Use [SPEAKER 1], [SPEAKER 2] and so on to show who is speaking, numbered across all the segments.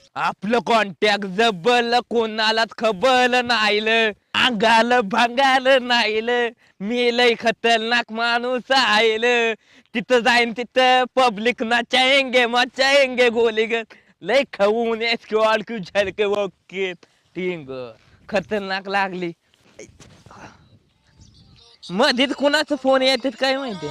[SPEAKER 1] आपलं कॉन्टॅक्ट जबल कोणालाच खबल नाहील अंगाल भांगाल नाहील मी लय खतरनाक माणूस आईल तिथं जाईन तिथं पब्लिक मचाएंगे गोली ग लय खाऊन स्क्वॉड क्यू झलके ओके टिंग खतरनाक लागली मधीच कुणाचा फोन येतात काय माहिती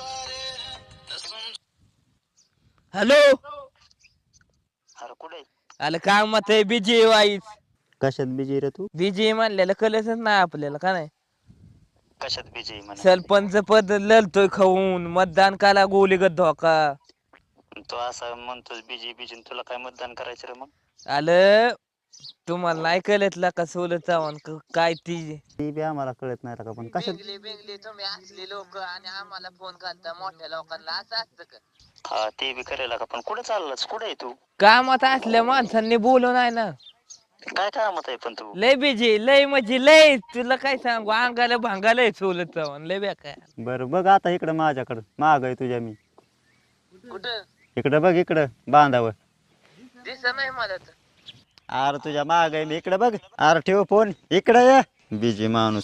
[SPEAKER 1] हॅलो
[SPEAKER 2] अरे कुठे
[SPEAKER 1] आलं कामात आहे बिजी वाईस
[SPEAKER 2] कशात बिजी रे तू?
[SPEAKER 1] बिजी म्हणलेलं कळलंच नाही आपल्याला का नाही
[SPEAKER 2] कशात बिजी म्हणा
[SPEAKER 1] सरपंच पद लढतोय खाऊन मतदान काला गोलीगत धोका
[SPEAKER 2] तू असा म्हणतोस बिजी बिजी तुला काय मतदान करायचं रे मग?
[SPEAKER 1] आलं तुम्हाला नाही कळतला का सोलं चव्हाण काय ती
[SPEAKER 2] ती बी आम्हाला कळत नाही का पण कशात
[SPEAKER 1] बेंगली तुम्ही असले लोक आणि आम्हाला फोन करता मोठ्या लोकांना असं असतं का
[SPEAKER 2] हा ते बी करायला का पण कुठे चाललास कुठे आहे तू?
[SPEAKER 1] कामात असल्या माणसांनी बोलू नाही ना
[SPEAKER 2] काय कामात आहे पण तू?
[SPEAKER 1] लय बिजी लय म्हणजे लय तुला काय सांगू अंगाला भांगालय सोलत चव्हाण लय बेकार
[SPEAKER 2] बरं बघ आता इकडं माझ्याकडं माग आहे तुझ्या मी
[SPEAKER 1] कुठं
[SPEAKER 2] इकडं बघ इकडं बांधावर
[SPEAKER 1] दिस नाही मला तर
[SPEAKER 2] अरे तुझ्या माग आहे मी इकडे बघ अरे ठेव फोन इकडे ये बिजी माणूस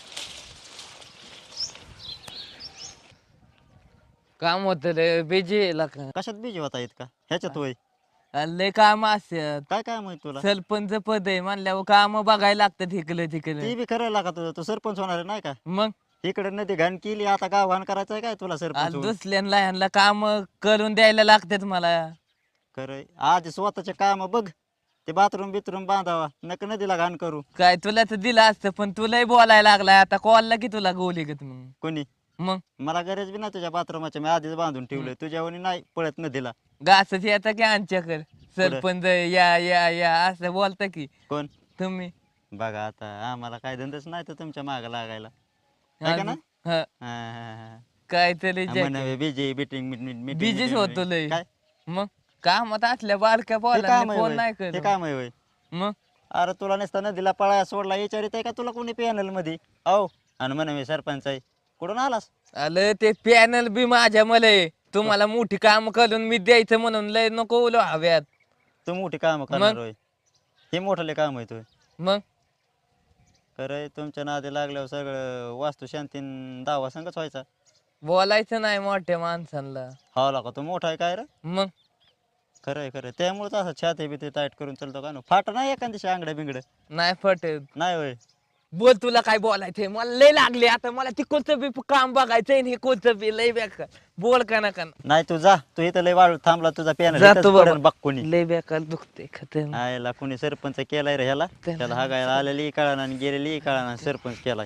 [SPEAKER 1] काम होत रे बिजी का
[SPEAKER 2] कशात बिजी होता इतका ह्याच्यात होय
[SPEAKER 1] लय काम असतात
[SPEAKER 2] काय काय माहित तुला?
[SPEAKER 1] सरपंच पद आहे म्हणल्यावर काम बघायला लागतात इकडे तिकडे
[SPEAKER 2] ती बी करायला का तुझं तू सरपंच होणार आहे नाही का?
[SPEAKER 1] मग
[SPEAKER 2] इकडे नदी घाण केली आता गाव घाण करायचंय काय तुला सरपंच होऊन?
[SPEAKER 1] दुसऱ्यांना ह्यांना काम करून द्यायला लागतात मला
[SPEAKER 2] खरंय आज स्वतःचे काम बघ ते बाथरूम बिथरूम बांधावा नक नदीला घाण करू
[SPEAKER 1] काय तुला तर दिलं असतं पण तुलाही बोलायला लागलाय आता कॉलला की तुला गोली गत मग
[SPEAKER 2] कोणी
[SPEAKER 1] मग
[SPEAKER 2] मला गरज बी ना तुझ्या बाथरूमाच्या मी आधीच बांधून ठेवलंय तुझ्यावणी नाही पळत नदीला
[SPEAKER 1] घासच येता की आमच्याकडे सरपंच या या या असं बोलता की
[SPEAKER 2] कोण
[SPEAKER 1] तुम्ही
[SPEAKER 2] बघा आता आम्हाला काय धंदाच नाही तर तुमच्या माग लागायला है का ना?
[SPEAKER 1] हा, काय तरी
[SPEAKER 2] बिजी बिटिंग
[SPEAKER 1] बिजीच होतो लय
[SPEAKER 2] काय
[SPEAKER 1] मग कामात असल्या बारक्या
[SPEAKER 2] हे
[SPEAKER 1] बोला
[SPEAKER 2] काम आहे
[SPEAKER 1] फोन
[SPEAKER 2] होय?
[SPEAKER 1] नाही
[SPEAKER 2] हे
[SPEAKER 1] करत
[SPEAKER 2] काम आहे होय?
[SPEAKER 1] मग
[SPEAKER 2] अरे तुला नसता नदीला पळाया सोडला विचारित आहे का तुला कोणी पॅनल मध्ये औ आणि म्हणे मी सरपंच आहे कुठून आलास?
[SPEAKER 1] आलं ते पॅनल बी माझ्या मला तुम्हाला मोठी काम करून मी द्यायचं म्हणून लय नको बोलू हव्यात
[SPEAKER 2] तू मोठी काम करणार होय हे मोठले काम आहे तुय
[SPEAKER 1] मग
[SPEAKER 2] खरंय तुमच्या नादी लागल्यावर सगळं वास्तू शांतीन दावा संगच व्हायचा
[SPEAKER 1] बोलायचं नाही मोठ्या माणसांना
[SPEAKER 2] हा का तू मोठा आहे काय रे
[SPEAKER 1] मग
[SPEAKER 2] खरंय खरं त्यामुळेच असं छाती बिती टाईट करून चालतो का फाट नाही एखादी आंगड्या बिंगड
[SPEAKER 1] नाही पटत
[SPEAKER 2] नाही होय
[SPEAKER 1] बोल तुला काय बोलायचंय मला लय लागले आता मला ते कोणतं बी काम बघायचंय हे कोणतं बी लय बेकार बोल का ना
[SPEAKER 2] नाही तू जा तू इथं लय वाळू थांबला तुझा पॅनल
[SPEAKER 1] जातो बाबा
[SPEAKER 2] बघ कोणी
[SPEAKER 1] लय बेकार दुखते खतम
[SPEAKER 2] आयला कोणी सरपंच केलाय रे ह्याला त्याला हागायला आलेली कळाना आणि गेलेली कळाना सरपंच केलाय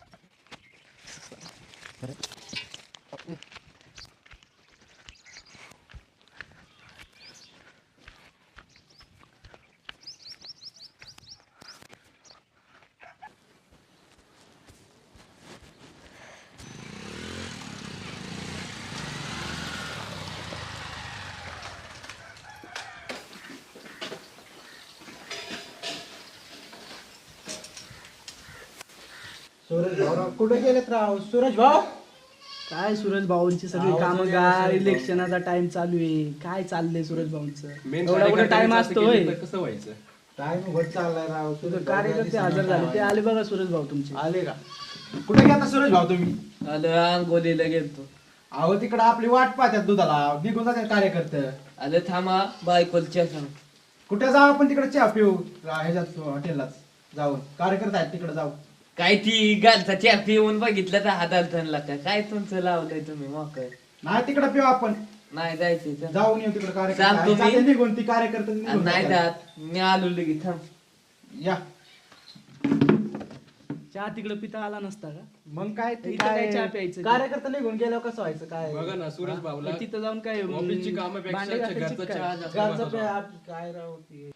[SPEAKER 3] सूरज भाऊ कुठे गेलेत राव सूरज भाऊ
[SPEAKER 4] काय सूरज भाऊंची सगळी कामं काय इलेक्शनाचा टाइम चालू आहे काय चाललंय सूरज भाऊंचं एवढा कुठे टाइम असतो होय
[SPEAKER 5] कसं व्हायचं
[SPEAKER 3] टाइम होत चाललाय राव
[SPEAKER 4] तुझं कार्यकर्ते हजर झाले ते आले बघा सूरज भाऊ तुमचे
[SPEAKER 3] आले का कुठे गेला सूरज भाऊ तुम्ही
[SPEAKER 1] आलं अंगोलीला गेलतो
[SPEAKER 3] अहो तिकडे आपली वाट पाहतात दुधाला निघून जातात कार्यकर्ते
[SPEAKER 1] आलं थांबा बायकोलच्या सांग
[SPEAKER 3] कुठे जाऊ आपण तिकडे चहा पिऊ ह्याच्यात हॉटेललाच जाऊ कार्यकर्ते आहेत तिकडे जाऊ
[SPEAKER 1] काय ती गालचा चहा पिऊन बघितलं तर हातात धनला का काय तुमचं लावलंय तुम्ही मोकळ
[SPEAKER 3] नाही तिकडे पिऊ आपण
[SPEAKER 1] नाही जायचंय
[SPEAKER 3] जाऊन येऊ तिकडे
[SPEAKER 1] सांगतो
[SPEAKER 3] कार्यकर्ते
[SPEAKER 1] मी.
[SPEAKER 3] जाते निघून ती कार्यकर्ते निघून
[SPEAKER 1] नाही
[SPEAKER 3] जातात.
[SPEAKER 1] जात मी आलो लगेच थांब
[SPEAKER 3] या
[SPEAKER 4] चहा तिकडे पिता आला नसता का
[SPEAKER 3] मग काय ते
[SPEAKER 4] इथं काय चहा प्यायचं?
[SPEAKER 3] कार्यकर्ते निघून गेल्यावर कसं व्हायचं काय
[SPEAKER 5] बघा ना सूरज भाऊला
[SPEAKER 4] तिथं जाऊन काय
[SPEAKER 5] ऑफिसची कामापेक्षा
[SPEAKER 4] भांडे घासायची
[SPEAKER 5] घरचा
[SPEAKER 4] काय?
[SPEAKER 5] चहा जास्त
[SPEAKER 3] घरचं
[SPEAKER 5] महत्त्वाचा.
[SPEAKER 3] पे- काय राव ते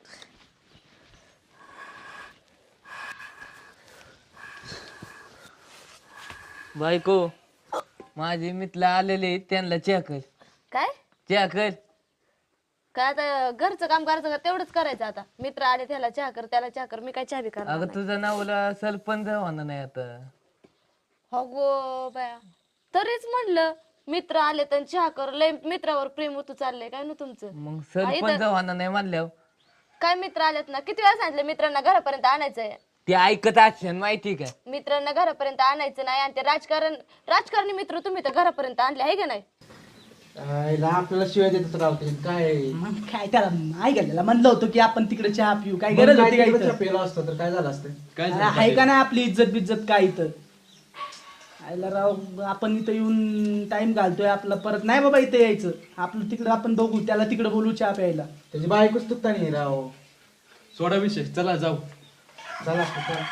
[SPEAKER 1] बायको माझे मित्र आलेले त्यांना चहा कर
[SPEAKER 6] काय
[SPEAKER 1] चहा कर
[SPEAKER 6] काय आता घरचं काम करायचं का तेवढंच करायचं आता मित्र आले त्याला चहा कर त्याला चहा कर मी काय चहा बी करणार
[SPEAKER 1] अगं
[SPEAKER 6] नाही.
[SPEAKER 1] तुझं नावला सरपंच होणार नाही आता
[SPEAKER 6] हो गो बाया तरीच म्हणलं मित्र आले तर चहा कर लय मित्रावर प्रेम होतं चाललंय काय ना तुमचं
[SPEAKER 1] मग सरपंच होणार नाही म्हणल्यावर
[SPEAKER 6] काय मित्र आलेत ना, किती वेळा सांगितलं मित्रांना घरापर्यंत आणायचंय.
[SPEAKER 1] ते ऐकत असेल माहिती का?
[SPEAKER 6] मित्रांना घरापर्यंत आणायचं नाही आणि ते राजकारणी मित्र तुम्ही तर घरापर्यंत आणले आहे का नाही.
[SPEAKER 3] आईला आपल्याला शिवाय देतच राहते काय.
[SPEAKER 4] मग काय त्याला नाही गेलेला म्हणलं होतं की आपण तिकडे चहा पिऊ, काय
[SPEAKER 3] मग
[SPEAKER 4] गरज
[SPEAKER 3] काय
[SPEAKER 4] होती काय
[SPEAKER 3] तिकडे
[SPEAKER 4] इथं?
[SPEAKER 3] चहा प्यायला असतं तर काय झालं असतं.
[SPEAKER 4] अरे आहे का नाही आपली इज्जत बिज्जत काय इथं? आयला राव आपण इथं येऊन टाइम घालतोय आपला, परत नाही बाबा इथं यायचं. आपलं तिकडं आपण बघू, त्याला तिकडे बोलू चहा प्यायला.
[SPEAKER 3] त्याची बायकोच तुकता नाही राव.
[SPEAKER 5] सोडा विषय, चला जाऊ.
[SPEAKER 3] चला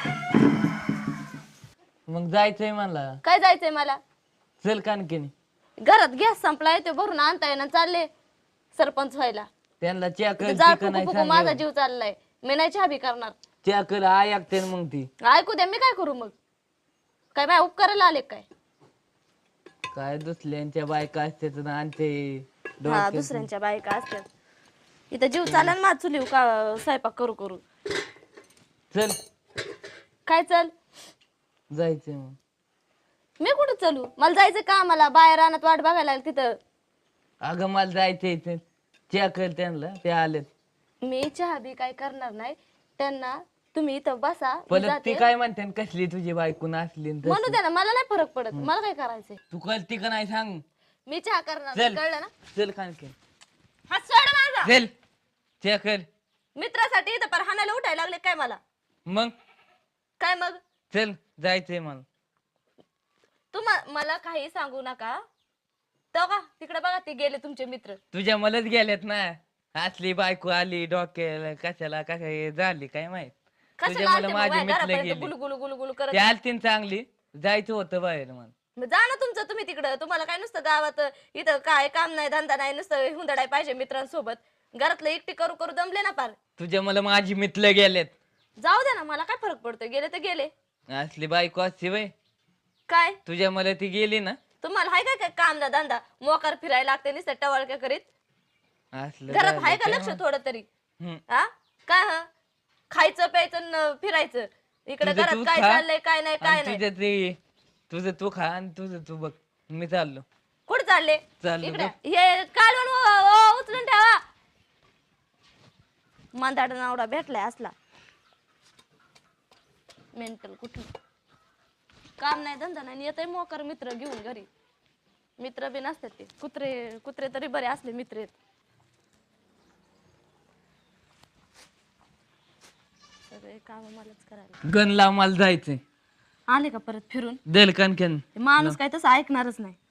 [SPEAKER 1] मग जायचंय मला.
[SPEAKER 6] काय जायचंय मला?
[SPEAKER 1] चल कानकिनी.
[SPEAKER 6] घरात गॅस संपलाय ते भरून आणता येईना, चालले सरपंच व्हायला.
[SPEAKER 1] त्यांना चहा कर
[SPEAKER 6] जाळ
[SPEAKER 1] ती का नाही
[SPEAKER 6] फुकू फुकू माझा
[SPEAKER 1] सांग.
[SPEAKER 6] जीव चाललाय. मी नाही चहा बी करणार.
[SPEAKER 1] चहा कर ऐकते मग ती.
[SPEAKER 6] ऐकू द्या, मी काय करू मग? काय माझ्या उपकाराला आले काय?
[SPEAKER 1] काय दुसऱ्यांच्या बायका असते तर आणते
[SPEAKER 6] हा,
[SPEAKER 1] डोक्यात.
[SPEAKER 6] दुसऱ्यांच्या बायका असतात. इथं जीव चालेल माझ चुलीव का स्वयंपाक करू करू.
[SPEAKER 1] चल
[SPEAKER 6] काय चल?
[SPEAKER 1] जायचंय मग.
[SPEAKER 6] मी कुठं चलू? मला जायचं का? मला बाहेर रानात वाट बघायला लागली तिथं.
[SPEAKER 1] अगं मला जायचंय इथे. चहा कर त्यांना, ते आलेत.
[SPEAKER 6] मी चहा बी काय करणार नाही त्यांना. तुम्ही इथं बसा, मी
[SPEAKER 1] परत
[SPEAKER 6] जाते.
[SPEAKER 1] ती काय म्हणते न कसली तुझी बायको असली न तशी.
[SPEAKER 6] म्हणू द्या ना, मला नाही फरक पडत. मला काय करायचंय?
[SPEAKER 1] तू कळती का नाही सांग.
[SPEAKER 6] मी चहा करणार
[SPEAKER 1] चल.
[SPEAKER 6] नाही, कळलं ना?
[SPEAKER 1] चल कानकी.
[SPEAKER 6] हा सोड माझा.
[SPEAKER 1] चल चहा कर.
[SPEAKER 6] मित्रासाठी इथं पर हाणायला उठायला लागले काय मला?
[SPEAKER 1] मग
[SPEAKER 6] काय मग?
[SPEAKER 1] चल जायचंय मला.
[SPEAKER 6] मला काही सांगू नका. तो का तिकडे बघा, ते गेले तुमचे मित्र.
[SPEAKER 1] तुझ्या मलाच गेल्यात ना. असली बायको आली डोक्याला, कशाला काय झाली काय माहित.
[SPEAKER 6] कशाला
[SPEAKER 1] तुझ्या मला
[SPEAKER 6] आलते मग
[SPEAKER 1] माझी
[SPEAKER 6] बाहेर
[SPEAKER 1] मित्र
[SPEAKER 6] घरापर्यंत
[SPEAKER 1] गेली.
[SPEAKER 6] गुलू गुलू गुलू गुलू करत?
[SPEAKER 1] ती आलती न चांगली. जायचं होतं बाहेर मला.
[SPEAKER 6] मग जा ना तुमचं तुम्ही तिकडं. तुम्हाला काय नुसतं गावात इथं काय काम नाही, धंदा नाही, नुसतं हुंदडाय पाहिजे मित्रांसोबत. घरातलं एकटी करू करू दमले ना पार.
[SPEAKER 1] तुझ्या मला माझी मित्र गेलेत.
[SPEAKER 6] जाऊ दे ना, मला काय फरक पडतोय? गेले तर गेले.
[SPEAKER 1] असली बायको असते वय.
[SPEAKER 6] काय
[SPEAKER 1] तुझ्या मला ती गेली ना.
[SPEAKER 6] तुम्हाला हाय काय काय काम ना धंदा? मोकार फिरायला लागते नुसतं टवाळक्या करीत.
[SPEAKER 1] असलं
[SPEAKER 6] घरात
[SPEAKER 1] झालं
[SPEAKER 6] हाय का
[SPEAKER 1] काय
[SPEAKER 6] लक्ष
[SPEAKER 1] मग.
[SPEAKER 6] थोडं तरी?
[SPEAKER 1] हम्म.
[SPEAKER 6] हा काय? हा खायचं प्यायचं न फिरायचं. इकडे
[SPEAKER 1] तुझं
[SPEAKER 6] घरात
[SPEAKER 1] तू
[SPEAKER 6] काय
[SPEAKER 1] खा,
[SPEAKER 6] चाललंय काय नाही काय
[SPEAKER 1] आणि
[SPEAKER 6] नाही.
[SPEAKER 1] तुझं ते तुझं तू खा आणि तुझं तू बघ. मी चाललो.
[SPEAKER 6] कुठे चालले?
[SPEAKER 1] चाललो
[SPEAKER 6] इकडे हे काढून उचलून ठेवा. मांदाड नावडा भेटलाय असला मेंटल. कुठून काम नाही धंदा नाही, येतय मोकर मित्र घेऊन घरी. मित्र बी नसतात ते. कुत्रे कुत्रे तरी बरे असले मित्र आहेत. सगळे काम मलाच करायला.
[SPEAKER 1] गण लाव मला जायचंय.
[SPEAKER 6] आले का परत फिरून?
[SPEAKER 1] दल कणकण.
[SPEAKER 6] ते माणूस काय तसं ऐकणारच नाही.